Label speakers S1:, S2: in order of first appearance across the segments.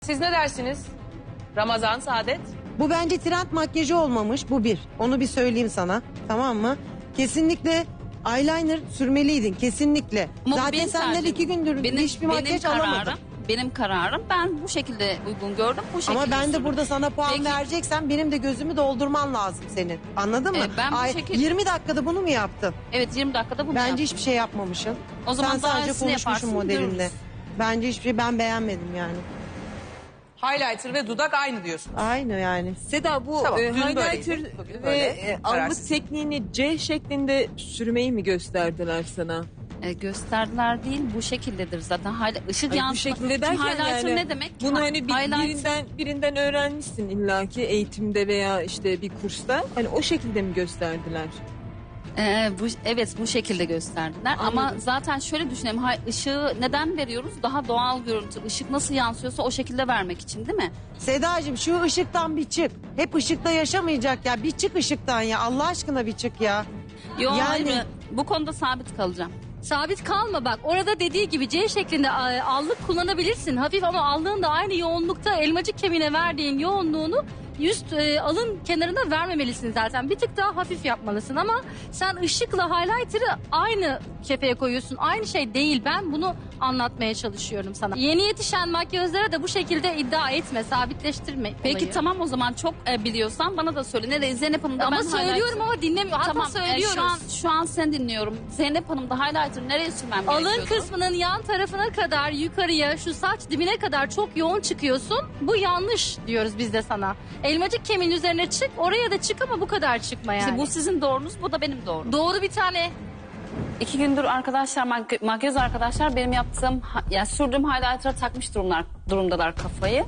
S1: Siz ne dersiniz? Ramazan, Saadet.
S2: Bu bence trend makyajı olmamış. Bu bir. Onu bir söyleyeyim sana. Tamam mı? Kesinlikle eyeliner sürmeliydin. Kesinlikle.
S3: Ama bu
S2: Zaten
S3: benim
S2: senden
S3: tercihim.
S2: 2 gündür hiçbir makyaj alamadım.
S3: Benim kararım. Ben bu şekilde uygun gördüm. Bu şekilde
S2: Ama ben de
S3: sürdüm.
S2: burada sana puan
S3: Peki.
S2: vereceksen benim de gözümü doldurman lazım senin. Anladın mı?
S3: Ben bu şekilde-
S2: 20 dakikada bunu mu yaptın?
S3: Evet 20 dakikada bunu
S2: Bence
S3: yaptım.
S2: hiçbir şey yapmamışsın.
S3: O zaman
S2: Sen
S3: daha
S2: sadece
S3: iyisini
S2: konuşmuşsun
S3: yaparsın,
S2: modelinde.
S3: görürüz.
S2: Bence hiçbir şey ben beğenmedim yani.
S1: Highlighter ve dudak aynı diyorsun.
S2: Aynı yani.
S4: Seda bu
S1: Tamam, dün
S4: highlighter
S1: böyleydi, bugün
S4: ve
S1: böyle.
S4: algı
S1: Kararsız.
S4: tekniğini C şeklinde sürmeyi mi gösterdiler sana?
S3: Gösterdiler değil bu şekildedir zaten. Işık
S4: Ay, bu
S3: yansıma.
S4: şekilde
S3: Şimdi
S4: derken
S3: highlighter
S4: yani
S3: ne demek?
S4: bunu hani
S3: Highlighter-
S4: birinden öğrenmişsin illaki eğitimde veya işte bir kursta. Hani o şekilde mi gösterdiler?
S3: Evet bu şekilde gösterdiler. Ama
S4: Anladım.
S3: zaten şöyle düşünelim. Işığı neden veriyoruz? Daha doğal görüntü. Işık nasıl yansıyorsa o şekilde vermek için değil mi?
S2: Sedacığım şu ışıktan bir çık. Hep ışıkta yaşamayacak ya. Bir çık ışıktan ya. Allah aşkına bir çık ya.
S3: Yok
S2: Yani-
S3: hayır, bu konuda sabit kalacağım.
S5: Sabit kalma bak. Orada dediği gibi C şeklinde allık kullanabilirsin. Hafif ama allığın da aynı yoğunlukta elmacık kemiğine verdiğin yoğunluğunu üst alın kenarına vermemelisin zaten. Bir tık daha hafif yapmalısın ama sen ışıkla highlighter'ı aynı kefeye koyuyorsun. Aynı şey değil. Ben bunu anlatmaya çalışıyorum sana. Yeni yetişen makyözlere de bu şekilde iddia etme, sabitleştirme.
S3: Peki
S5: olayı.
S3: tamam o zaman çok biliyorsan bana da söyle. Nereye Zeynep Hanım da
S5: Ama
S3: ben
S5: söylüyorum ama dinlemiyor. Hatta
S3: Tamam
S5: söylüyoruz.
S3: şu an sen dinliyorum. Zeynep Hanım da highlighter nereye sürmem gerekiyordu?
S5: Alın kısmının yan tarafına kadar yukarıya şu saç dibine kadar çok yoğun çıkıyorsun. Bu yanlış diyoruz biz de sana. Elmacık kemiğin üzerine çık, oraya da çık ama bu kadar çıkma yani.
S3: İşte bu sizin doğrunuz, bu da benim doğrum.
S5: Doğru bir tane.
S3: 2 gündür arkadaşlar, makyöz arkadaşlar benim yaptığım, yani sürdüğüm highlighter'a takmış durumdalar kafayı.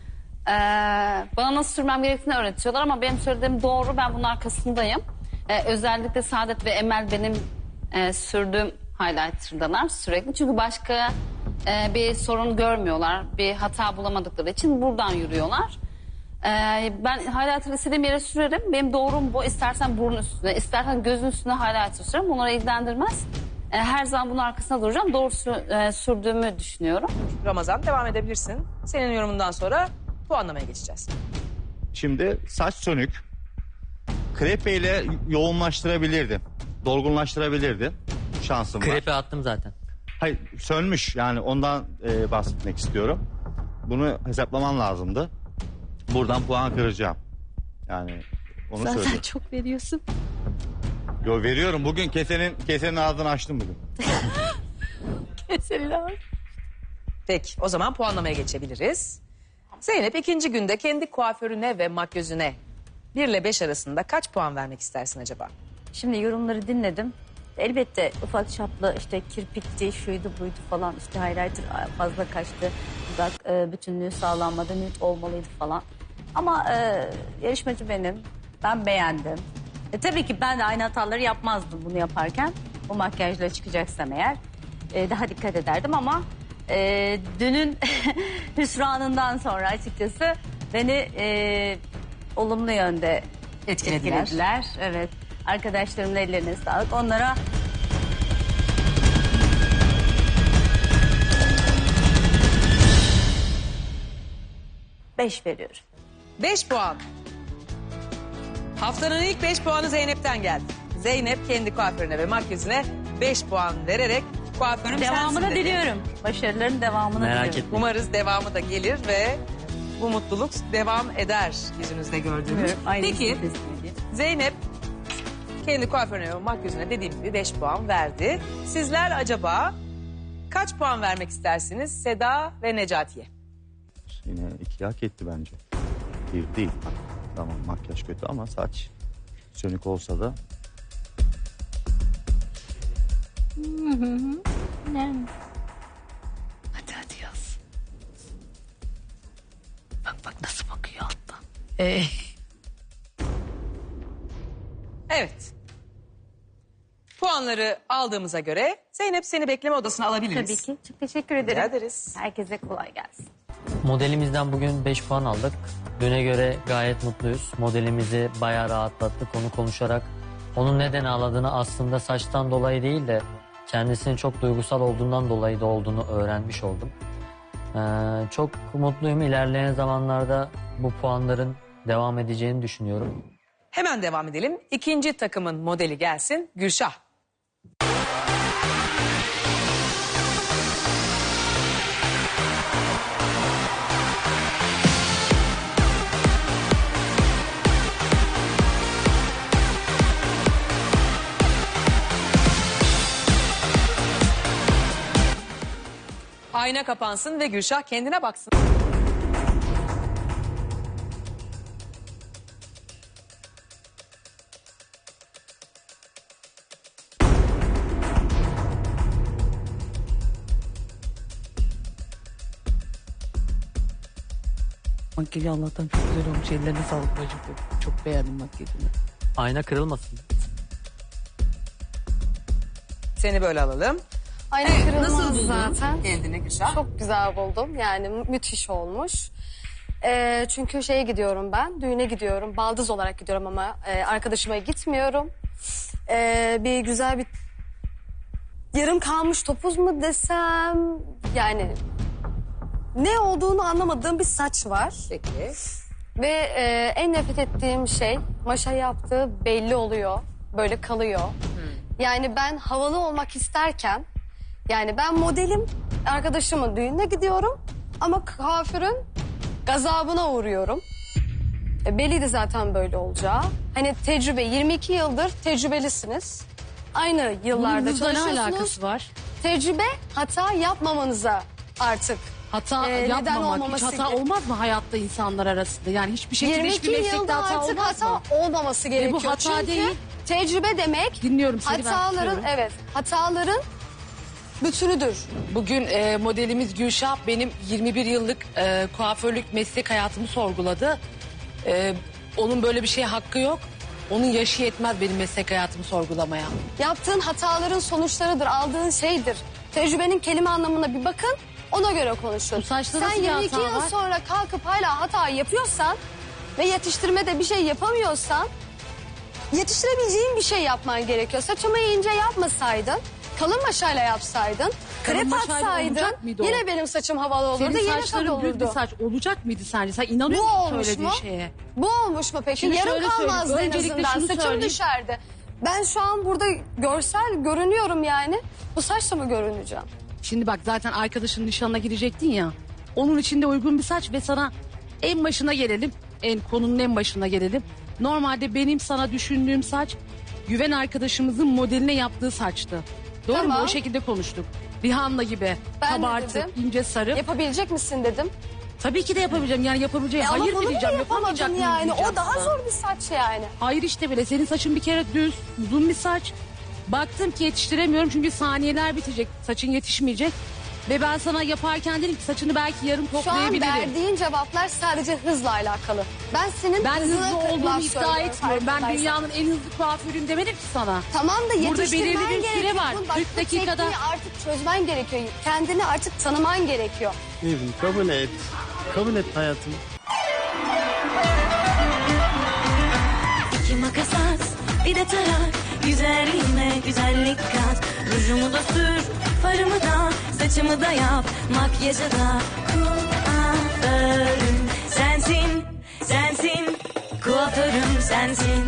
S3: Bana nasıl sürmem gerektiğini öğretiyorlar ama benim söylediğim doğru, ben bunun arkasındayım. Özellikle Saadet ve Emel benim sürdüğüm highlighter'dalar sürekli. Çünkü başka bir sorun görmüyorlar, bir hata bulamadıkları için buradan yürüyorlar. Ben highlighter istediğim yere sürerim. Benim doğrum bu. İstersen burun üstüne, istersen gözün üstüne highlighter sürerim. Bunları ilgilendirmez. Her zaman bunun arkasında duracağım. Doğru sürdüğümü düşünüyorum.
S1: Ramazan devam edebilirsin. Senin yorumundan sonra puanlamaya geçeceğiz.
S6: Şimdi saç sönük. Krepe ile yoğunlaştırabilirdin. Dolgunlaştırabilirdin. Şansın var.
S7: Krepe attım zaten.
S6: Hayır, sönmüş yani ondan bahsetmek istiyorum. Bunu hesaplaman lazımdı. Buradan puan kıracağım. Yani onu söyleyeyim.
S5: çok veriyorsun.
S6: Yo, veriyorum. Bugün kesenin ağzını açtım bugün.
S1: Peki o zaman puanlamaya geçebiliriz. Zeynep ikinci günde kendi kuaförüne ve makyözüne 1 ile 5 arasında kaç puan vermek istersin acaba?
S8: Şimdi yorumları dinledim. Elbette ufak çaplı işte kirpikti, şuydu buydu falan, işte highlighter fazla kaçtı, dudak bütünlüğü sağlanmadı, nude olmalıydı falan. Ama yarışmacı benim, ben beğendim. Tabii ki ben de aynı hataları yapmazdım bunu yaparken. O makyajla çıkacaksam eğer daha dikkat ederdim ama dünün hüsranından sonra açıkçası beni olumlu yönde etkilediler. Evet. Arkadaşlarımın ellerine sağlık. Onlara beş veriyorum.
S1: 5 puan. Haftanın ilk 5 puanı Zeynep'ten geldi. Zeynep kendi kuaförüne ve makyözüne 5 puan vererek kuaförüm
S8: Devamını
S1: sensin dedi.
S8: diliyorum. Başarıların devamını
S7: Merak
S8: diliyorum.
S7: etme.
S1: Umarız devamı da gelir ve bu mutluluk devam eder yüzünüzde gördüğünüz.
S8: Aynı
S1: Peki
S8: şeyi teslim edeyim.
S1: Zeynep kendi kuaförüne ve makyözüne dediğim gibi 5 puan verdi. Sizler acaba kaç puan vermek istersiniz Seda ve Necati'ye?
S6: Yine 2 hak etti bence. 1 değil. Tamam, makyaj kötü ama saç sönük olsa da
S5: Hadi yaz. Bak nasıl bakıyor alttan.
S1: Evet. Puanları aldığımıza göre Zeynep seni bekleme odasına alabiliriz.
S8: Tabii ki. Çok teşekkür
S1: Rica
S8: ederim.
S1: ederiz.
S8: Herkese kolay gelsin.
S7: Modelimizden bugün 5 puan aldık. Düne göre gayet mutluyuz. Modelimizi bayağı rahatlattık. Onu konuşarak onun neden ağladığını aslında saçtan dolayı değil de kendisinin çok duygusal olduğundan dolayı da olduğunu öğrenmiş oldum. Çok mutluyum. İlerleyen zamanlarda bu puanların devam edeceğini düşünüyorum.
S1: Hemen devam edelim. İkinci takımın modeli gelsin. Gülşah. Ayna kapansın ve Gülşah kendine baksın.
S9: Makyajı Allah'tan çok güzel olmuş. Ellerine sağlık bacım. Çok beğendim makyajını.
S7: Ayna kırılmasın.
S1: Seni böyle alalım.
S10: Ayna
S1: Evet,
S10: kırılmaz
S1: nasıl buldun
S10: zaten.
S1: kendini Gülşah?
S10: Çok güzel buldum. Yani müthiş olmuş. Çünkü şeye gidiyorum ben. Düğüne gidiyorum. Baldız olarak gidiyorum ama arkadaşıma gitmiyorum. Bir güzel bir yarım kalmış topuz mu desem, yani ne olduğunu anlamadığım bir saç var.
S1: Peki.
S10: Ve en nefret ettiğim şey, maşa yaptığı belli oluyor. Böyle kalıyor. Yani ben havalı olmak isterken, yani ben modelim, arkadaşımın düğününe gidiyorum ama kuaförün gazabına uğruyorum. Belliydi zaten böyle olacağı. Hani tecrübe, 22 yıldır tecrübelisiniz. Aynı yıllarda
S9: Bunun hızla ne
S10: çalışıyorsunuz.
S9: alakası var?
S10: Tecrübe hata yapmamanıza artık.
S9: Hata
S10: neden
S9: yapmamak, hiç
S10: olmaması
S9: hata
S10: gibi.
S9: olmaz mı hayatta insanlar arasında? Yani hiçbir şekilde
S10: 22
S9: hiçbir meslekte
S10: yılda
S9: hata
S10: artık
S9: olmaz
S10: hata
S9: mı?
S10: olmaması gerekiyor.
S9: bu hata
S10: Çünkü
S9: değil.
S10: tecrübe demek
S9: Dinliyorum seni, ben
S10: hataların,
S9: tutuyorum.
S10: evet, hataların bütünüdür.
S11: Bugün modelimiz Gülşah benim 21 yıllık kuaförlük meslek hayatımı sorguladı. Onun böyle bir şeye hakkı yok. Onun yaşı yetmez benim meslek hayatımı sorgulamaya.
S10: Yaptığın hataların sonuçlarıdır, aldığın şeydir. Tecrübenin kelime anlamına bir bakın, ona göre konuşun.
S9: Bu saçta
S10: Sen
S9: nasıl bir
S10: 22
S9: hata
S10: yıl
S9: var?
S10: sonra kalkıp hala hata yapıyorsan ve yetiştirmede bir şey yapamıyorsan, yetiştirebileceğin bir şey yapman gerekiyor. Saçımı ince yapmasaydın, kalın maşayla yapsaydın,
S9: Kalın
S10: krep
S9: maşayla
S10: atsaydın,
S9: olacak mıydı o?
S10: yine benim saçım havalı olurdu,
S9: Senin
S10: yine tadı
S9: saçların düz bir
S10: olurdu.
S9: saç olacak mıydı sence? Sen inanıyor
S10: Bu
S9: musun
S10: olmuş
S9: söylediğin
S10: mu?
S9: şeye?
S10: Bu olmuş mu peki?
S9: Şimdi
S10: Yarım
S9: şöyle söyleyeyim,
S10: kalmazdı en
S9: öncelikle
S10: azından.
S9: şunu
S10: Saçım
S9: söyleyeyim.
S10: düşerdi. Ben şu an burada görsel görünüyorum yani. Bu saçla mı görüneceğim?
S9: Şimdi bak, zaten arkadaşının nişanına gidecektin ya. Onun için de uygun bir saç ve sana en başına gelelim. Konunun en başına gelelim. Normalde benim sana düşündüğüm saç güven arkadaşımızın modeline yaptığı saçtı. Doğru mu?
S10: Tamam.
S9: O şekilde konuştuk. Rihanna gibi
S10: Ben de
S9: kabartık,
S10: dedim.
S9: ince sarı.
S10: Yapabilecek misin dedim.
S9: Tabii ki de yapabileceğim. Yani yapabileceğim.
S10: Ama
S9: Hayır
S10: bunu
S9: mı diyeceğim,
S10: bile
S9: yapamayacak
S10: yapamadın
S9: mıyım
S10: yani.
S9: diyeceğim
S10: O daha
S9: sana.
S10: zor bir saç yani.
S9: Hayır işte bile. Senin saçın bir kere düz, uzun bir saç. Baktım ki yetiştiremiyorum çünkü saniyeler bitecek. Saçın yetişmeyecek. Ve ben sana yaparken dedim ki saçını belki yarım
S10: Şu an
S9: toplayabilirim.
S10: verdiğin cevaplar sadece hızla alakalı. Ben senin
S9: Ben
S10: hızına
S9: hızlı olduğumu
S10: laf
S9: iddia
S10: söylüyorum,
S9: etmiyorum. Ben
S10: farkındaysan.
S9: dünyanın en hızlı kuaförüyüm demedim ki sana.
S10: Tamam da
S9: Burada
S10: yetiştirmen
S9: belirli bir süre
S10: gerekiyor.
S9: var.
S10: Bak,
S9: 40
S10: bu
S9: dakikada-
S10: tekniği artık çözmen gerekiyor. Kendini artık tanıman gerekiyor.
S12: Evim kabul et. Kabul et hayatım.
S13: İki makas at, bir de tarak. Üzerine güzellik kat. Rujumu da sür, farımı da, saçımı da yap. Makyajı da kuaförüm sensin, sensin. Kuaförüm sensin.